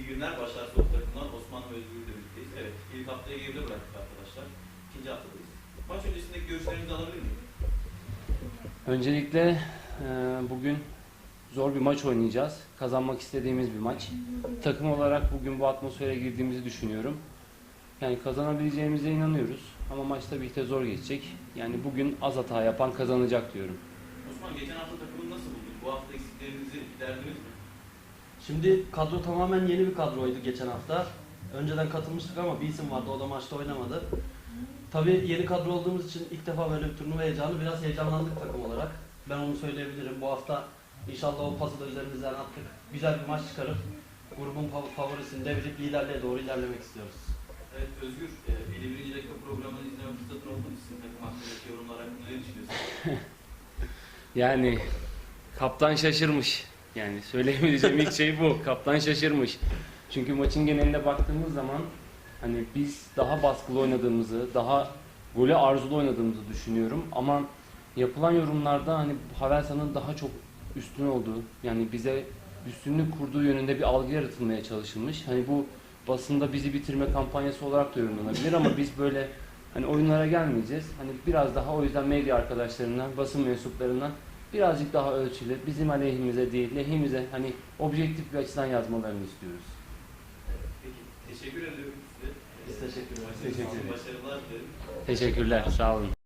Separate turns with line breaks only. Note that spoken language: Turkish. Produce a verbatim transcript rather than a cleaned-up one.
günler. Başar Soğuk takımdan Osman ve Özgür'le birlikteyiz. Evet, ilk haftayı geride bıraktık arkadaşlar. İkinci haftadayız. Maç öncesindeki görüşlerinizi alabilir miyim?
Öncelikle e, bugün zor bir maç oynayacağız. Kazanmak istediğimiz bir maç. Takım olarak bugün bu atmosfere girdiğimizi düşünüyorum. Yani kazanabileceğimize inanıyoruz. Ama maç tabii ki de zor geçecek. Yani bugün az hata yapan kazanacak diyorum.
Osman, geçen hafta takımını nasıl buldun? Bu hafta eksiklerinizi giderdiniz mi?
Şimdi kadro tamamen yeni bir kadroydu geçen hafta. Önceden katılmıştık ama bir isim vardı, o da maçta oynamadı. Tabii yeni kadro olduğumuz için ilk defa böyle bir turnuva heyecanı, biraz heyecanlandık takım olarak. Ben onu söyleyebilirim. Bu hafta inşallah o pası da üzerimizden attık. Güzel bir maç çıkarıp grubun fav- favorisini devirip liderliğe doğru ilerlemek istiyoruz.
Evet Özgür, e, elli birinci dakika programını izleme fırsatın oldu mu? Sizin takım hakkındaki yorumlar hakkında ne düşünüyorsunuz?
Yani kaptan şaşırmış. Yani söyleyebileceğim ilk şey bu. Kaptan şaşırmış. Çünkü maçın geneline baktığımız zaman hani biz daha baskılı oynadığımızı, daha golü arzulu oynadığımızı düşünüyorum. Ama yapılan yorumlarda hani Havelsan'ın daha çok üstün olduğu, yani bize üstünlük kurduğu yönünde bir algı yaratılmaya çalışılmış. Hani bu basında bizi bitirme kampanyası olarak da yorumlanabilir ama biz böyle hani oyunlara gelmeyeceğiz. Hani biraz daha o yüzden medya arkadaşlarından, basın mensuplarından birazcık daha ölçülü, bizim aleyhimize değil, lehimize hani objektif bir açıdan yazmalarını istiyoruz.
Evet, peki, teşekkür ediyorum size.
Biz teşekkür ederiz.
Maçınız için
Teşekkür ederiz.
başarılar dilerim.
Teşekkürler, sağ olun.